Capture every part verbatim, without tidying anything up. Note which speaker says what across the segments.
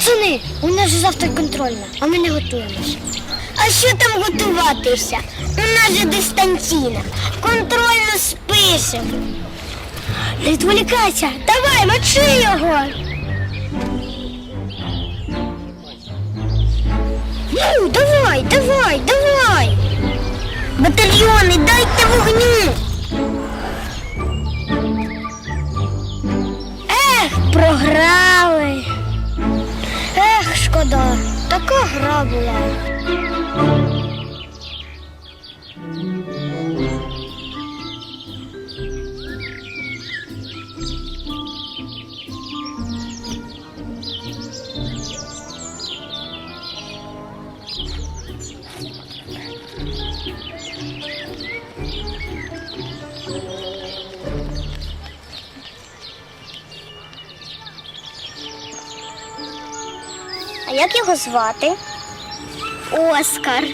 Speaker 1: Пацани, у нас же завтра контрольна, а ми не готуємося. А що там готуватися? У нас же дистанційна. Контрольно спишемо. Не відволікайся, давай, мочи його. Ну, давай, давай, давай. Батальйони, дайте вогню. Ех, програли. Ех, шкода, така гра була. А як його звати? Оскар.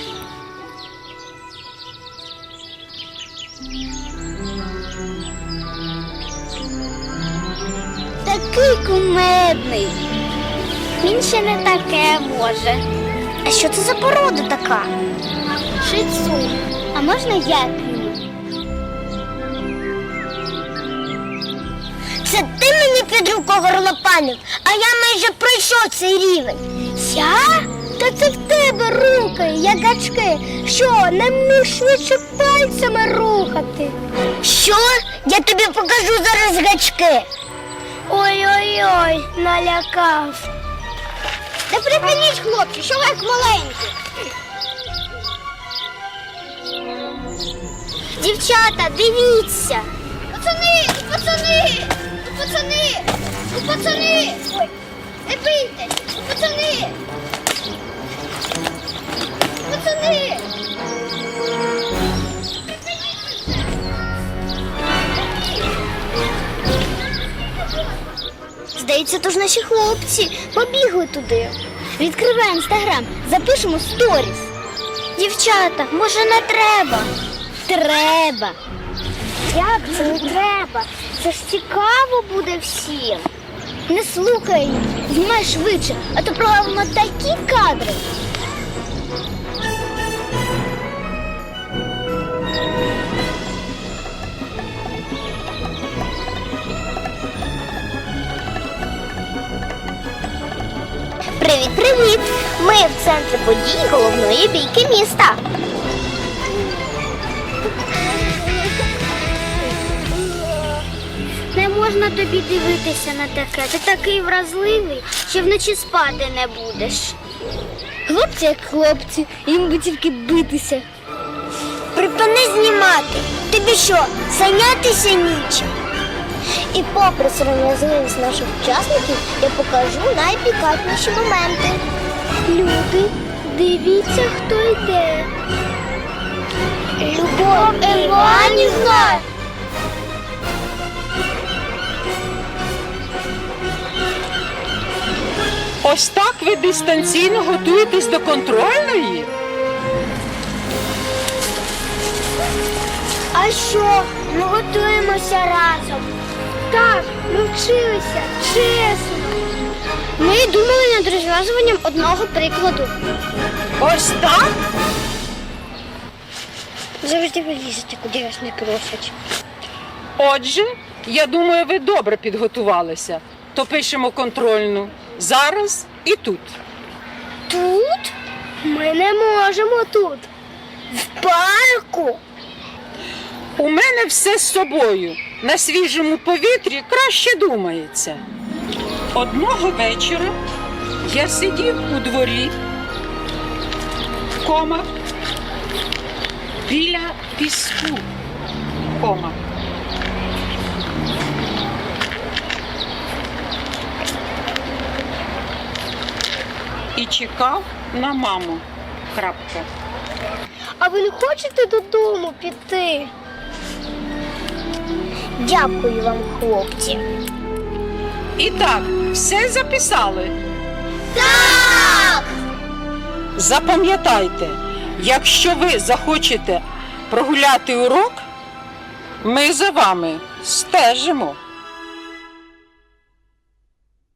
Speaker 1: Такий кумедний. Він ще не таке може. А що це за порода така? Шицу. А можна я? Це ти мені під руку горлопанив, а я майже пройшов цей рівень. Я? Та це в тебе руки, як гачки. Що, не вмієш швидше пальцями рухати? Що? Я тобі покажу зараз гачки. Ой-ой-ой, налякав. Та припиніть, хлопці, що ви як маленькі. Дівчата, дивіться. Пацани, пацани, пацани, пацани. Ой, не бийтесь, пацани. Пацани. Здається, то ж наші хлопці побігли туди. Відкривай інстаграм, запишемо сторіс. Дівчата, може не треба? Треба. Як це не треба? Це ж цікаво буде всім. Не слухай їх, знімай швидше, а то програємо такі кадри. Привіт-привіт! Ми в центрі подій головної бійки міста. Не можна тобі дивитися на таке. Ти такий вразливий, що вночі спати не будеш. Хлопці як хлопці, їм би тільки битися. Припини знімати. Тобі що, зайнятися нічим? І попри сором'язливість наших учасників, я покажу найпікантніші моменти. Люди, дивіться, хто йде. Любов Іванівна!
Speaker 2: Ось так ви дистанційно готуєтесь до контрольної?
Speaker 1: А що? Ми готуємося разом. Так, ми вчилися, чесно. Ми думали над розв'язуванням одного прикладу.
Speaker 2: Ось так?
Speaker 1: Завжди ви лізете, куди вас не просять.
Speaker 2: Отже, я думаю, ви добре підготувалися. То пишемо контрольну зараз і тут.
Speaker 1: Тут? Ми не можемо тут. В парку.
Speaker 2: У мене все з собою. На свіжому повітрі краще думається. Одного вечора я сидів у дворі, кома, біля піску, кома. І чекав на маму, крапка.
Speaker 1: А ви не хочете додому піти? Дякую вам, хлопці.
Speaker 2: І так, все записали?
Speaker 1: Так!
Speaker 2: Запам'ятайте, якщо ви захочете прогуляти урок, ми за вами стежимо.